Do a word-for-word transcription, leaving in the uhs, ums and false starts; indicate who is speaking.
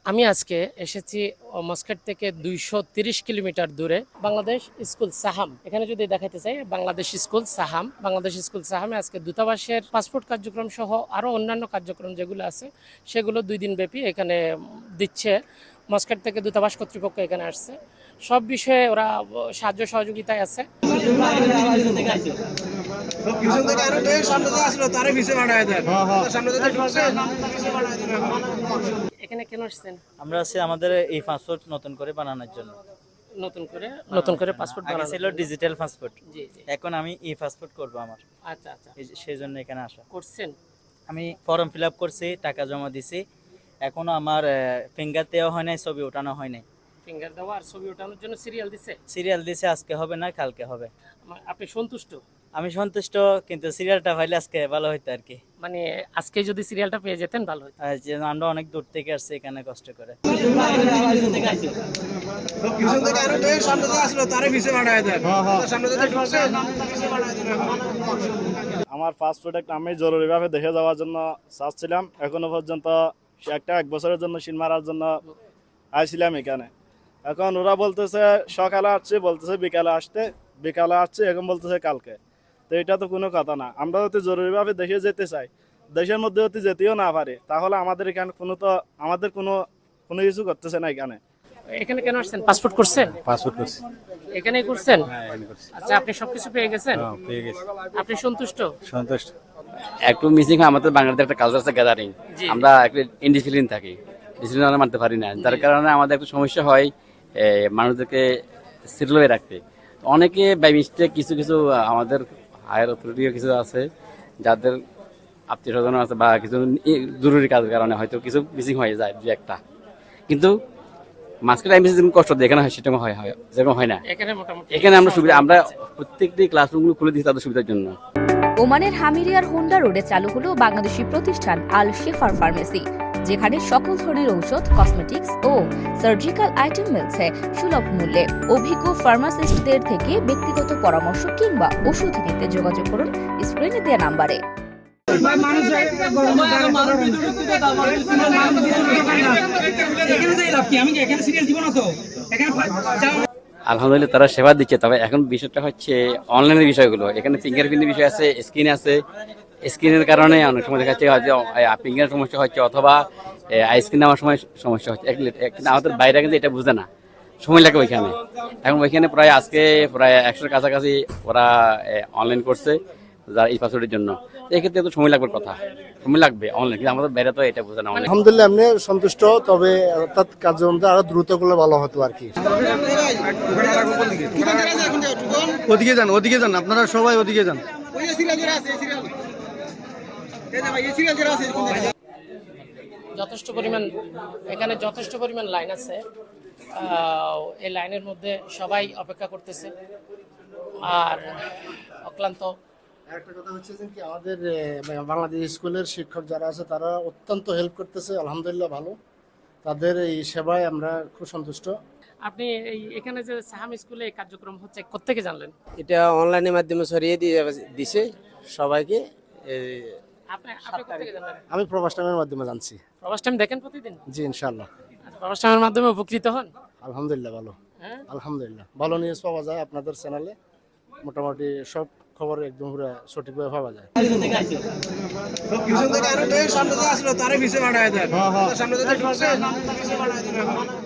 Speaker 1: আমি আজকে এসেছি মস্কেট থেকে দুইশো তিরিশ কিলোমিটার দূরে বাংলাদেশ স্কুল সাহাম। এখানে যদি দেখাতে চাই, বাংলাদেশ স্কুল সাহাম বাংলাদেশ স্কুল সাহামে আজকে দূতাবাসের পাসপোর্ট কার্যক্রম সহ আরও অন্যান্য কার্যক্রম যেগুলো আছে সেগুলো দুই দিন ব্যাপী এখানে দিচ্ছে। মস্কেট থেকে দূতাবাস কর্তৃপক্ষ এখানে আসছে, সব বিষয়ে ওরা সাহায্য সহযোগিতায় আছে। এখানে কেন আসছেন?
Speaker 2: আমরা আছি আমাদের এই পাসপোর্ট নতুন করে বানানোর জন্য।
Speaker 1: নতুন করে নতুন করে পাসপোর্ট
Speaker 2: আগে ছিল ডিজিটাল পাসপোর্ট,
Speaker 1: জি জি।
Speaker 2: এখন আমি ই পাসপোর্ট করব আমার।
Speaker 1: আচ্ছা আচ্ছা,
Speaker 2: এই- সেই জন্য এখানে আসা।
Speaker 1: করছেন?
Speaker 2: আমি ফর্ম ফিল আপ করছি, টাকা জমা দিছি, এখনো আমার ফিঙ্গার দেওয়া হয় নাই, ছবি ওঠানো হয় নাই।
Speaker 1: ফিঙ্গার দেওয়া আর ছবি ওঠানোর জন্য সিরিয়াল দিছে?
Speaker 2: সিরিয়াল দিছে, আজকে হবে না কালকে হবে।
Speaker 1: আমা- আপনি সন্তুষ্ট?
Speaker 2: আমি সন্তুষ্ট, কিন্তু সিরিয়ালটা পাইলে আজকে ভালো হইতো আর কি।
Speaker 1: মানে আজকে যদি সিরিয়ালটা পেয়ে যেতেন ভালো হতো।
Speaker 2: আর যে আমরা অনেক দূর থেকে আসছি এখানে কষ্ট করে।
Speaker 3: আমার পাসপোর্ট একটা আমি জরুরিভাবে দেখে যাওয়ার জন্য চাচ্ছিলাম, এখনো পর্যন্ত একটা এক বছরের জন্য সিন মারার জন্য আইছিলাম এখানে। এখন ওরা বলতেছে সকালে আসছে, বলতেছে বিকালে আসতে, বিকালে আসছে, এখন বলতেছে কালকে। তো এটা তো কোনো কথা না। আমরা যদি জরুরিভাবে দেখে যেতে চাই, দেশের মধ্যে যদি যেতেও না পারি, তাহলে আমাদের এখানে কোনো তো আমাদের কোনো কোনো কিছু করতেছে না এখানে।
Speaker 1: এখানে কেন আসছেন? পাসপোর্ট করছেন?
Speaker 4: পাসপোর্ট করছি।
Speaker 1: এখানেই করছেন?
Speaker 4: হ্যাঁ, এখানে করছি।
Speaker 1: আচ্ছা, আপনি সবকিছু পেয়ে গেছেন?
Speaker 4: হ্যাঁ, পেয়ে গেছি।
Speaker 1: আপনি সন্তুষ্ট?
Speaker 4: সন্তুষ্ট।
Speaker 5: একটু মিসিং হয় আমাদের বাংলাদেশে একটা কালচার আছে গ্যাদারিং,
Speaker 1: জি।
Speaker 5: আমরা একটু ইনডিসিপ্লিন থাকি, ডিসিপ্লিন আমরা মানতে পারি না, যার কারণে আমাদের একটু সমস্যা হয় এ, মানুষদেরকে সিরিয়ালে রাখতে। তো অনেকে বাই মিস্টেক কিছু কিছু আমাদের হায়ার অথরিটিও কিছু আছে যাদের আত্মীয় স্বজন আছে বা কিছু ই- জরুরি কাজের কারণে হয়তো কিছু মিসিং হয়ে যায় দু একটা, কিন্তু মাঝখানে টাইম যেরকম কষ্ট দেয় এখানে হয় সেরকম হয় হয় যেরকম হয় না।
Speaker 1: এখানে মোটামুটি
Speaker 5: এখানে আমরা সুবিধা, আমরা প্রত্যেকটি ক্লাসরুমগুলো খুলে দিচ্ছি তাদের সুবিধার জন্য।
Speaker 6: ওমানের হামিরিয়ার হোন্ডা রোডে চালু হলো বাংলাদেশি প্রতিষ্ঠান আল শেফার ফার্মেসি, যেখানে সকল ধরনের ঔষধ, কসমেটিক্স ও সার্জিক্যাল আইটেম মিলছে সুলভ মূল্যে। অভিজ্ঞ ফার্মাসিস্টদের থেকে ব্যক্তিগত পরামর্শ কিংবা ওষুধ নিতে যোগাযোগ করুন স্ক্রিনে দেওয়া নাম্বারে।
Speaker 5: আলহামদুলিল্লাহ তারা সেবা দিচ্ছে, তবে এখন বিষয়টা হচ্ছে অনলাইনের বিষয়গুলো। এখানে ফিঙ্গারপ্রিন্টের বিষয় আছে, স্ক্রিন আছে, স্ক্রিনের কারণে অনেক সময় দেখা যাচ্ছে হয়তো ফিঙ্গার সমস্যা হচ্ছে অথবা আইস্ক্রিন নেওয়ার সময় সমস্যা হচ্ছে। কিন্তু আমাদের বাইরে কিন্তু এটা বুঝে না, সময় লাগে ওইখানে। এখন ওইখানে প্রায় আজকে প্রায় একশোর কাছাকাছি ওরা অনলাইন করছে যারা এই পাসওয়ার্ডের জন্য। এক্ষেত্রে তো সময় লাগবে, কথা সময় লাগবে অনলাইন, কিন্তু আমাদের বাইরে তো এটা বুঝে না।
Speaker 7: আলহামদুলিল্লাহ এমনি সন্তুষ্ট, তবে অর্থাৎ কার্যক্রমটা আরো দ্রুত করলে ভালো হতো আর কি।
Speaker 4: ওদিকে যান, ওদিকে যান, আপনারা সবাই ওদিকে যান।
Speaker 1: যথেষ্ট পরিমাণ এখানে যথেষ্ট পরিমাণ লাইন আছে। আহ, এই লাইনের মধ্যে সবাই অপেক্ষা করতেছে আর অক্লান্ত।
Speaker 7: একটা কথা হচ্ছে যে কি আমাদের আহ, বাংলাদেশ স্কুলের শিক্ষক যারা আছে তারা অত্যন্ত হেল্প করতেছে, আলহামদুলিল্লাহ ভালো। তাদের এই সেবায় আমরা খুব সন্তুষ্ট।
Speaker 1: আপনি এই এখানে যে সাহাম স্কুলে এই কার্যক্রম হচ্ছে কোত্থেকে জানলেন?
Speaker 8: এটা অনলাইনের মাধ্যমে ছড়িয়ে দিয়ে দিছে সবাইকে। এই
Speaker 1: আপনি আপনি কোত্থেকে জানলেন?
Speaker 7: আমি প্রবাস টাইমের মাধ্যমে জানছি।
Speaker 1: প্রবাস টাইম দেখেন প্রতিদিন?
Speaker 7: জি ইনশাআল্লাহ।
Speaker 1: আচ্ছা, প্রবাস টাইমের মাধ্যমে উপকৃত হন?
Speaker 7: আলহামদুলিল্লাহ ভালো।
Speaker 1: হ্যাঁ,
Speaker 7: আলহামদুলিল্লাহ ভালো নিউজ পাওয়া যায় আপনাদের চ্যানেলে, মোটামুটি সব খবর একদম পুরো সঠিকভাবে পাওয়া যায়।
Speaker 3: সামনে